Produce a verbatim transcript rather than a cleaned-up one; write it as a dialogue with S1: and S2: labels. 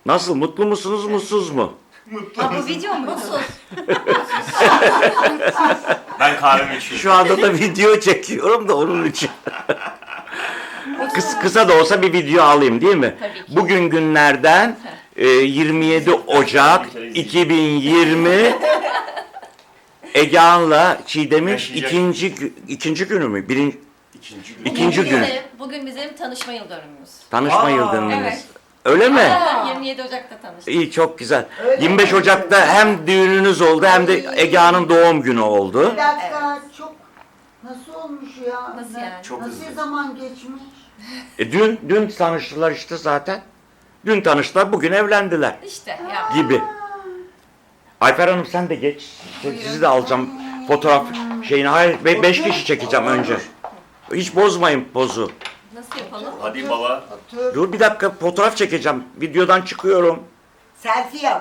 S1: Nasıl? Mutlu musunuz, mutsuz mu?
S2: Ha, bu video mu? Mutsuz.
S3: Ben kahvemi içiyorum.
S1: Şu anda da video çekiyorum da onun için. Kıs, kısa da olsa bir video alayım değil mi?
S2: Tabii ki.
S1: Bugün günlerden e, yirmi yedi Ocak iki bin yirmi Egehan'la Çiğdem'in
S3: Yaşayacak.
S1: ikinci gü- ikinci günü mü? Birinci,
S3: İkinci gün.
S1: İkinci
S2: Bugün
S1: gün.
S2: bizim- Bugün bizim tanışma yıl dönümümüz.
S1: tanışma
S3: Aa,
S1: yıl dönümümüz.
S2: evet.
S1: Öyle mi?
S2: Aa, yirmi yedi Ocak'ta tanıştık.
S1: İyi, çok güzel.
S4: Öyle
S1: yirmi beş
S4: mi?
S1: Ocak'ta hem düğününüz oldu hem de Egehan'ın doğum günü oldu.
S4: Bir dakika, çok nasıl olmuş ya?
S2: Nasıl yani?
S3: Çok
S4: Nasıl
S3: hızlı.
S4: zaman geçmiş?
S1: E, dün dün tanıştılar işte zaten. Dün tanıştılar, bugün evlendiler
S2: İşte ya.
S1: gibi. Ayfer Hanım sen de geç. Sizi de alacağım fotoğraf şeyini. Hayır, be- beş kişi çekeceğim önce. Hiç bozmayın pozu.
S2: Nasıl yapalım?
S3: Hadi baba.
S4: Otur.
S1: Dur bir dakika, fotoğraf çekeceğim. Videodan çıkıyorum.
S4: Selfie yap.